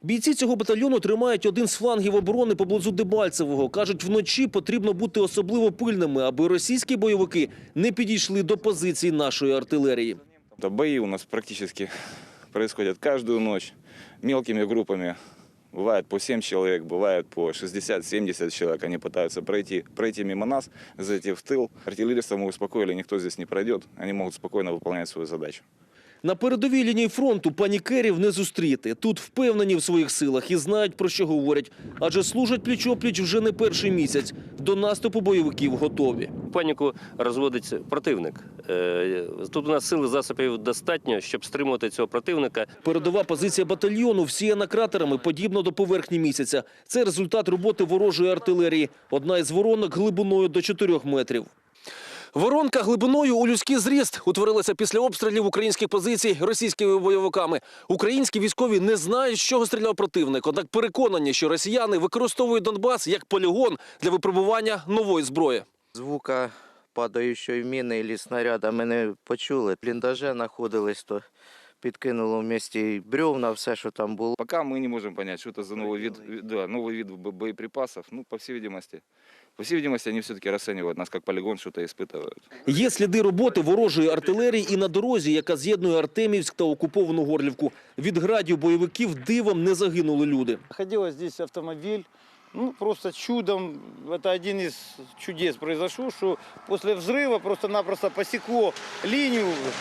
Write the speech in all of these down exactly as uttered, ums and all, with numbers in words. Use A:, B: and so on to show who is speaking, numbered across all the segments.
A: Бійці цього батальйону тримають один з флангів оборони поблизу Дебальцевого. Кажуть, вночі потрібно бути особливо пильними, аби російські бойовики не підійшли до позицій нашої артилерії.
B: Бої у нас практически происходят каждую ночь мелкими группами. Бывает по семь человек, бывает по шестьдесят-семьдесят человек. Они пытаются пройти, пройти мимо нас, зайти в тыл. Артиллеристов мы успокоили, никто здесь не пройдет. Они могут спокойно выполнять свою задачу.
A: На передовій лінії фронту панікерів не зустріти. Тут впевнені в своїх силах і знають, про що говорять. Адже служать пліч-опліч вже не перший місяць. До наступу бойовиків готові.
C: Паніку розводить противник. Тут у нас сили, засобів достатньо, щоб стримувати цього противника.
A: Передова позиція батальйону всіяна кратерами, подібно до поверхні місяця. Це результат роботи ворожої артилерії. Одна із воронок глибиною до чотирьох метрів. Воронка глибиною у людський зріст утворилася після обстрілів українських позицій російськими бойовиками. Українські військові не знають, з чого стріляв противник, однак переконані, що росіяни використовують Донбас як полігон для випробування нової зброї.
D: Звука падаючої міни або снаряда ми не почули. В бліндаже знаходились, то підкинуло в місті бревна, все, що там було.
B: Пока мы не можем понять, что это за новый вид, да, новый вид бо- боеприпасов. Ну, по всей видимости, по всей видимости, они все-таки расценивают нас как полигон, что-то испытывают.
A: Є сліди роботи ворожої артилерії і на дорозі, яка з'єднує Артемівськ та окуповану Горлівку. Від градів бойовиків дивом не загинули люди.
E: Находилась здесь автомобиль. Ну, просто чудом, это один из чудес произошло, что после взрыва просто-напросто посекло линию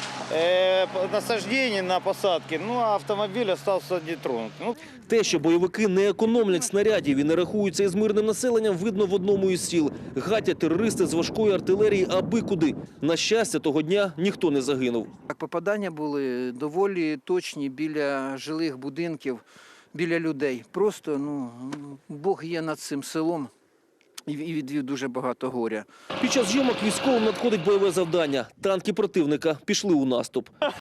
E: э, насаждения на посадке, ну, а автомобиль остался нетронут. Ну,
A: Те, що бойовики не економлять снарядів і не рахуються із мирним населенням, видно в одному із сіл. Гатять терористи з важкої артилерії аби куди. На щастя, того дня ніхто не загинув.
F: Попадання були доволі точні біля жилих будинків, біля людей. Просто, ну, Бог є над цим селом і відвів дуже багато горя.
A: Під час зйомок військовим надходить бойове завдання. Танки противника пішли у наступ.